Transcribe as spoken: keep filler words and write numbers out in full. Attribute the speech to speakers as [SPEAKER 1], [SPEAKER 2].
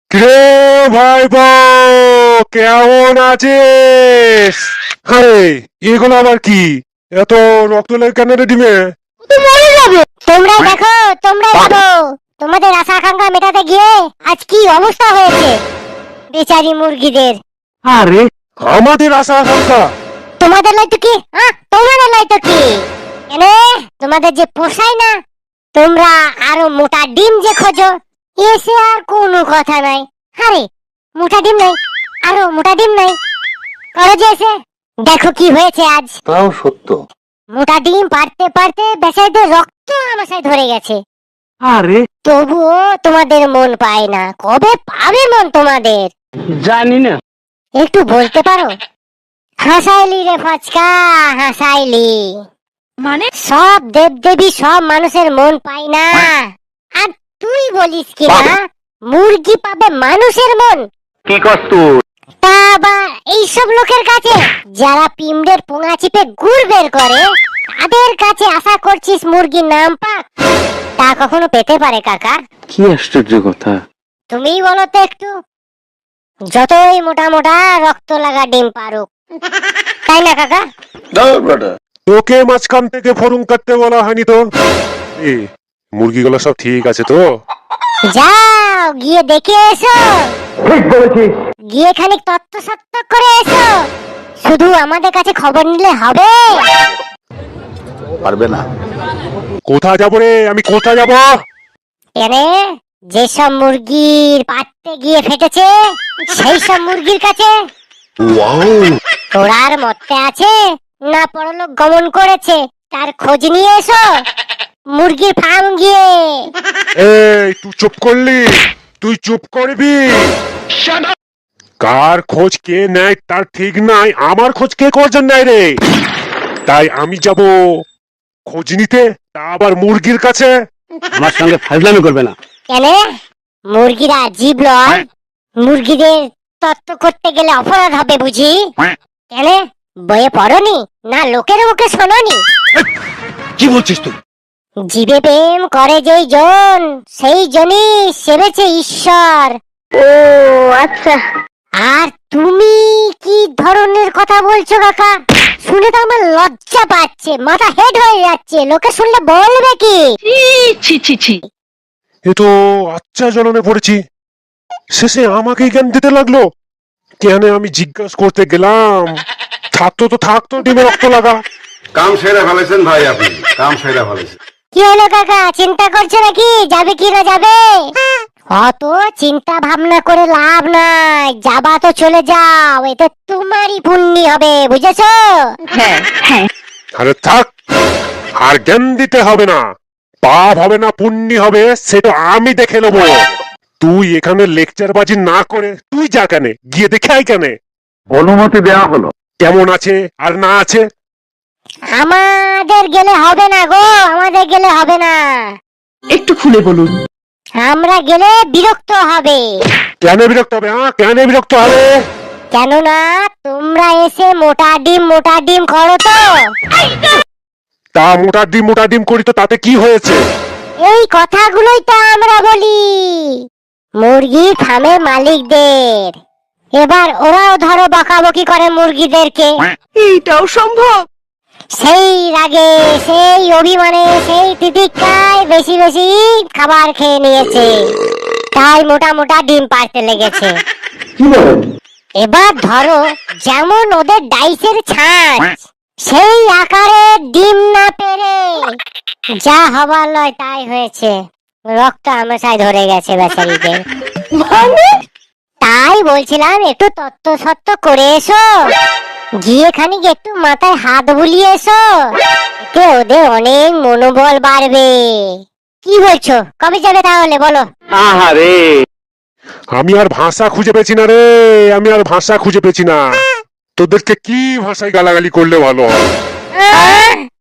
[SPEAKER 1] রে ভাইপো, কেমন আছিস? আরে এগুলো আবার কি? এত রক্ত লাগে কেন রে ডিমে?
[SPEAKER 2] তোমরা দেখো, তোমরা দেখো, তোমাদের আশা আকাঙ্ক্ষা মেটাতে গিয়ে আজ কি অবস্থা হয়েছে বেচারি মুরগিদের।
[SPEAKER 1] আরে আমাদের আশা আকাঙ্ক্ষা?
[SPEAKER 2] তোমাদের লাই তো কি, হ্যাঁ তোমাদের লাই তো কি, এনে তোমাদের যে পোষায় না, তোমরা আরো মোটা ডিম যে খোঁজো, এসে আর কোনো কথা নাই। আরে মোটা ডিম নাই, আরো মোটা ডিম নাই, করো যে এসে দেখো কি হয়েছে আজ।
[SPEAKER 3] তাও সত্য।
[SPEAKER 2] মোটা ডিম পারতে পারতে বেচারিদের রক্ত আমাশায় ধরে গেছে।
[SPEAKER 3] আরে
[SPEAKER 2] তবুও তোমাদের মন পায় না, কবে পাবে মন তোমাদের?
[SPEAKER 3] জানি না।
[SPEAKER 2] একটু বলতে পারো? হাসাইলি রে ফাচকা, হাসাইলি।
[SPEAKER 4] মানে
[SPEAKER 2] সব দেবদেবী সব মানুষের মন পায় না, আর তুই বলিস কি না মুরগি পাবে মানুষের মন?
[SPEAKER 3] কি কস তুই?
[SPEAKER 2] তা আবার এইসব লোকের কাছে যারা পিমড়ের পোঙা চিপে গুড় বের করে, তাদের কাছে আশা করছিস মুরগির নাম পাক? তা কখনো পেতে পারে কাকা?
[SPEAKER 3] কি আশ্চর্য কথা।
[SPEAKER 2] তুমিই বলো তো একটু, যতই মোটা মোটা রক্ত লাগা ডিম পারুক, তাই না কাকা?
[SPEAKER 1] তোকে মাঝখান থেকে ফরুম কাটতে বলা হয়নি তো? এ মুরগিগুলো সব ঠিক আছে তো?
[SPEAKER 2] যাও গিয়ে দেখে এসো,
[SPEAKER 3] ঠিক বলেছিস।
[SPEAKER 2] গিয়ে খানিক তত্ত্ব সত্ত্ব করে এসো। শুধু আমাদের কাছে খবর নিলে হবে?
[SPEAKER 3] পারবে না।
[SPEAKER 1] কোথায় যাবো রে, আমি কোথায় যাবো?
[SPEAKER 2] এনে যেসব মুরগির পাততে গিয়ে ফেটেছে সেই সব মুরগির কাছে। তোরার মতে আছে না পরলোক গমন করেছে, তার খোঁজ নিয়ে এসো মুরগির ফার্ম গিয়ে।
[SPEAKER 1] এই তুই চুপ করলি? তুই চুপ করবি? কার খোঁজ কে নেয় তার ঠিক নাই, আমার খোঁজ কে করছেন নাই রে? তাই আমি যাব খোঁজ নিতে, তা আবার মুরগির কাছে।
[SPEAKER 3] আমার সঙ্গে ফাজলামি করবে না।
[SPEAKER 2] কেন? মুরগিরা জীব লয়, মুরগিদের তত্ত্ব করতে গেলে অপরাধ হবে বুঝি? কেন বইয়ে পড়নি না লোকের মুখে শোনি?
[SPEAKER 3] কি বলছিস তুই?
[SPEAKER 2] জীবে প্রেম করে যেই জন, সেই জনই সেবেছে ঈশ্বর। ও আচ্ছা। আর তুমি কি ধরনের কথা বলছো কাকা? শুনে তো আমার লজ্জা পাচ্ছে, মাথা হেড হয়ে যাচ্ছে, লোকে শুনলে বলবে কি?
[SPEAKER 4] ছি ছি ছি।
[SPEAKER 1] এ তো আচ্ছা জ্বলনে পড়েছি, শেষে আমাকেই জ্ঞান দিতে লাগলো। কেন আমি জিজ্ঞাসা করতে গেলাম, থাকতো তো থাকতো ডিমে রক্ত লাগা।
[SPEAKER 5] কাম সেরে ফেলেছেন ভাই, আপনি কাম সেরে ফেলেছেন।
[SPEAKER 2] কি হলো কাকা, চিন্তা করছো নাকি যাবে কি না যাবে? অত চিন্তা ভাবনা করে লাভ নাই, যাবা তো চলে যাও, এতে তোমারই পুণ্যি হবে, বুঝেছো?
[SPEAKER 4] হ্যাঁ হ্যাঁ।
[SPEAKER 1] আরে থাক, আর জ্ঞান দিতে হবে না। পাপ হবে না পুণ্যি হবে সেটা আমি দেখে নেবো। তুই এখানে লেকচার বাজি না করে তুই যা, কেন গিয়ে দেখে আয়। কেন?
[SPEAKER 3] অনুমতি দেওয়া হলো।
[SPEAKER 1] কেমন আছে আর না আছে?
[SPEAKER 2] আমাদের গেলে হবে না গো, আমাদের গেলে হবে না।
[SPEAKER 4] একটু খুলে বলুন।
[SPEAKER 2] আমরা গেলে বিরক্ত হবে।
[SPEAKER 1] কেন বিরক্ত হবে? হ্যাঁ কেন বিরক্ত হবে?
[SPEAKER 2] কেননা তোমরা এসে মোটা ডিম মোটা ডিম করো তো।
[SPEAKER 1] তা মোটা ডিম মোটা ডিম করি তো তাতে কি হয়েছে?
[SPEAKER 2] এই কথাগুলোই তো আমরা বলি মুরগি ফার্মের মালিকদের। এবার ওরাও ধরো বকাবকি করে মুরগিদেরকে।
[SPEAKER 4] এইটাও সম্ভব?
[SPEAKER 2] সেই রাগে, সেই অভিমানে, সেই তিতিক্ষায় বেশি বেশি খাবার খেয়ে নিয়েছে, তাই মোটা মোটা ডিম পাড়তে লেগেছে।
[SPEAKER 3] কি বলেন?
[SPEAKER 2] এবার ধরো যেমন ওদের ডাইসের ছাঁচ, সেই আকারে ডিম না পেরে যা হবার লয় তাই হয়েছে, রক্ত আমাশায় ধরে গেছে বেচারিদের। তাই বলছিলাম একটু তত্ত্ব সত্ত্ব করে এসো, গিয়ে খানিক একটু মাথায় হাত বুলিয়ে এসো, এতে ওদের অনেক মনোবল বাড়বে। কি বলছো, কবে যাবে তাহলে বলো?
[SPEAKER 3] আহারে,
[SPEAKER 1] আমি আর ভাষা খুঁজে পেয়েছি না রে, আমি আর ভাষা খুঁজে পেয়েছি না। তোদেরকে কি ভাষায় গালাগালি করলে ভালো হয়?
[SPEAKER 2] আহ!